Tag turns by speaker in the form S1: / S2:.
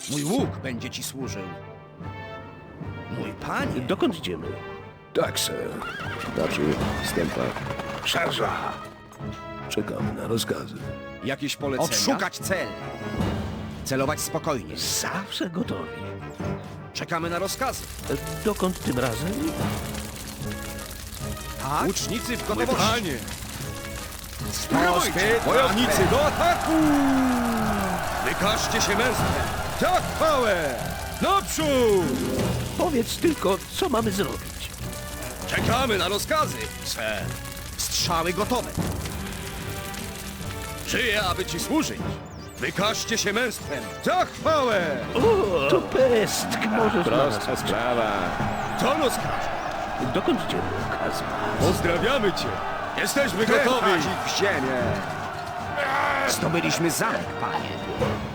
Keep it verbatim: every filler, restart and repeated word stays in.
S1: Mój łuk będzie ci służył. Mój panie.
S2: Dokąd idziemy?
S3: Tak, sir. Naprzód, stępa. Szarża! Czekamy na rozkazy.
S1: Jakieś polecenia? Odszukać cel. Celować spokojnie.
S2: Zawsze gotowi.
S1: Czekamy na rozkazy.
S2: E, Dokąd tym razem?
S1: Tak? Łucznicy w gotowości.
S4: Panie!
S1: Strojcie,
S4: Wojownicy do ataku! Wykażcie się męstwem! Tak, chwałę! Naprzód!
S2: Powiedz tylko, co mamy zrobić.
S4: Czekamy na rozkazy, sir.
S1: Strzały gotowe.
S4: Żyję, aby ci służyć. Wykażcie się męstwem! Za chwałę!
S2: O, to pestk! Możesz na nas
S3: Prosta sprawa.
S4: To nos każe.
S2: Dokąd idziemy? Kazma.
S4: Pozdrawiamy cię! Jesteśmy gotowi!
S1: w ziemię. Zdobyliśmy zamek, panie.